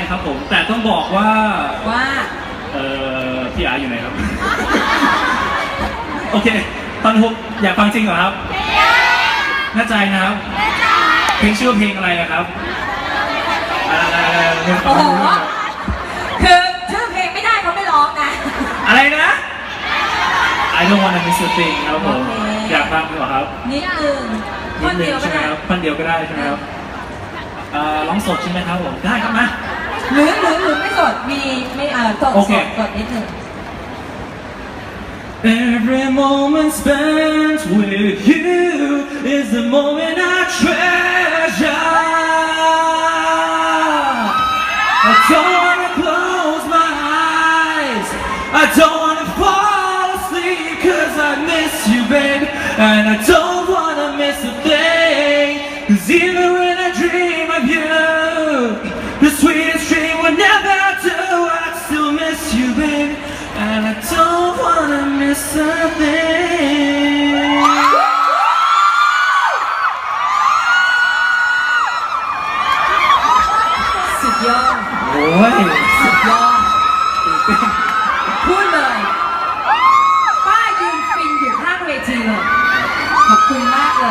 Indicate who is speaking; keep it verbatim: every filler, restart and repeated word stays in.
Speaker 1: ครับผมแต่ต้องบอกว่า
Speaker 2: ว่า
Speaker 1: เอ่อพี่อาร์อยู่ไหนครับ โอเคตอนฮุกอยากฟังจริงเหรอครับแน่ใจนะครับเพลงชื่อเพลงอะไรนะครับอะไรๆๆ
Speaker 2: โอ้โหคือชื่อเพลงไม่ได้เขาไม่ร้องนะ
Speaker 1: อะไรนะ I don't wanna miss a thing ครับผมอยากฟังเหรอครับ
Speaker 2: นิดนึงท่อนเดียวก็
Speaker 1: ใช่ไหม
Speaker 2: ได้
Speaker 1: ครับท่อนเดียวก็ได้ใช่ไหมครับร้องสดใช่ไหมครับผมได้ครับมา
Speaker 2: หรือหรือหรือไม่สดมีไม่เอ่อสดสดสดนิดนึง
Speaker 1: Every moment spent with you is the moment I treasure. I don't wanna close my eyes. I don't wanna fall asleep 'cause I miss you, babe. And I don't wanna miss a thing. 'Cause even when I dream of you, the sweetest dream will never do. I still miss you, babe. And I don't wanna miss a thing.
Speaker 2: สุดยอด
Speaker 1: โอ้ย
Speaker 2: สุดยอด